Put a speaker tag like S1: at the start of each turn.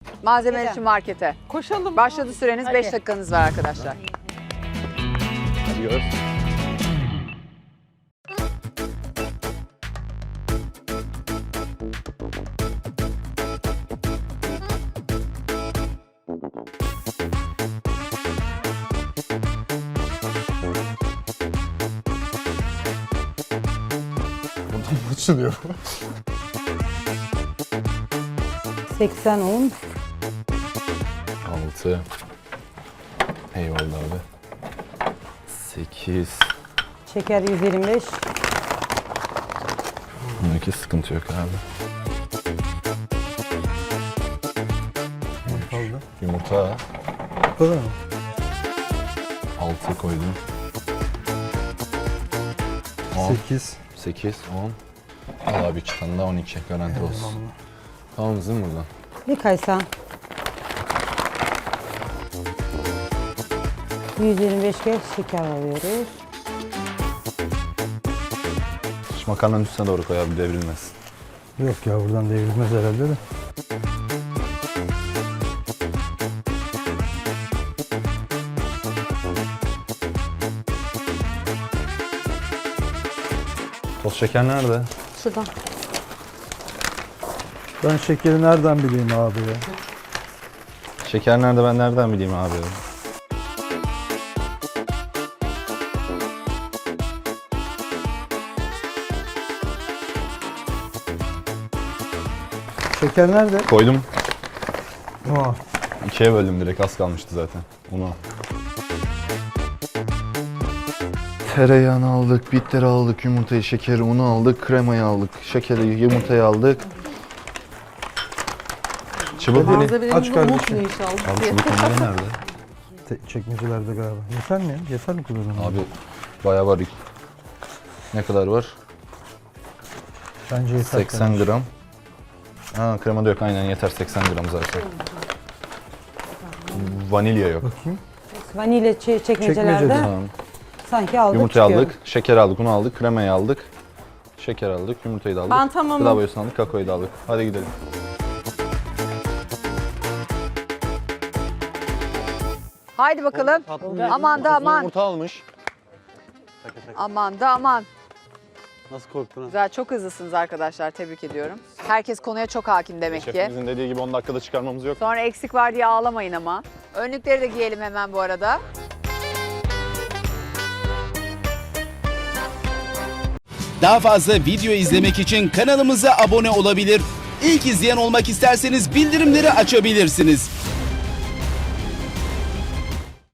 S1: Malzemeler için markete.
S2: Koşalım.
S1: Başladı süreniz. 5 dakikanız var arkadaşlar.
S3: Hadi göz.
S4: Buradan mı açılıyor?
S2: 80 un.
S3: 6. Eyvallah abi. 8.
S2: Şeker 125.
S3: Bundaki sıkıntı yok abi.
S4: Kaldı.
S3: Yumurta.
S4: Bu kadar mı?
S3: 6 koydum. 10.
S4: 8.
S3: 8, 10. Al abi 2 tane daha 12 garanti olsun. Tamam mısın buradan?
S2: Bir kaysan. 125 kez şeker alıyoruz.
S3: Şu makarnanın üstüne doğru koy abi devrilmesin.
S4: Yok ya buradan devrilmez herhalde de.
S3: Toz şeker nerede?
S2: Şuradan.
S4: Ben şekeri nereden bileyim abi ya?
S3: Şeker nerede ben nereden bileyim abi?
S4: Şeker nerede?
S3: Koydum.
S4: Aa,
S3: 2'ye böldüm direkt az kalmıştı zaten. Unu. Tereyağını aldık, bitteri aldık, yumurtayı, şekeri, unu aldık, kremayı aldık, şekeri, yumurtayı aldık. Çubuk deli.
S4: aç kardeşim.
S3: Abi çubuk onları nerede?
S4: Çekmecelerde galiba. Yeter mi ya? Yeter mi kullanım?
S3: Abi bayağı var. Ne kadar var?
S4: Bence yeter.
S3: 80 gram. Ha krema da yok aynen yeter 80 gram zaten. Vanilya yok.
S4: Bakayım.
S2: Vanilya çekmecelerde
S4: Çekmecede.
S3: Tamam.
S2: sanki aldık
S3: Yumurtayı
S2: çıkıyor.
S3: aldık, şeker aldık, unu aldık, kremayı aldık. Şeker aldık, yumurtayı da aldık.
S2: Ben tamamım.
S3: Gıda boyasını aldık, kakaoyu da aldık. Hadi gidelim.
S1: Haydi bakalım. Aman da aman.
S3: Yumurta almış.
S1: Aman da aman.
S5: Nasıl korktun ha?
S1: Güzel, çok hızlısınız arkadaşlar. Tebrik ediyorum. Herkes konuya çok hakim demek ki.
S3: Şefimizin dediği gibi 10 dakikada çıkarmamız yok.
S1: Sonra eksik var diye ağlamayın ama. Önlükleri de giyelim hemen bu arada.
S6: Daha fazla video izlemek için kanalımıza abone olabilir. İlk izleyen olmak isterseniz bildirimleri açabilirsiniz.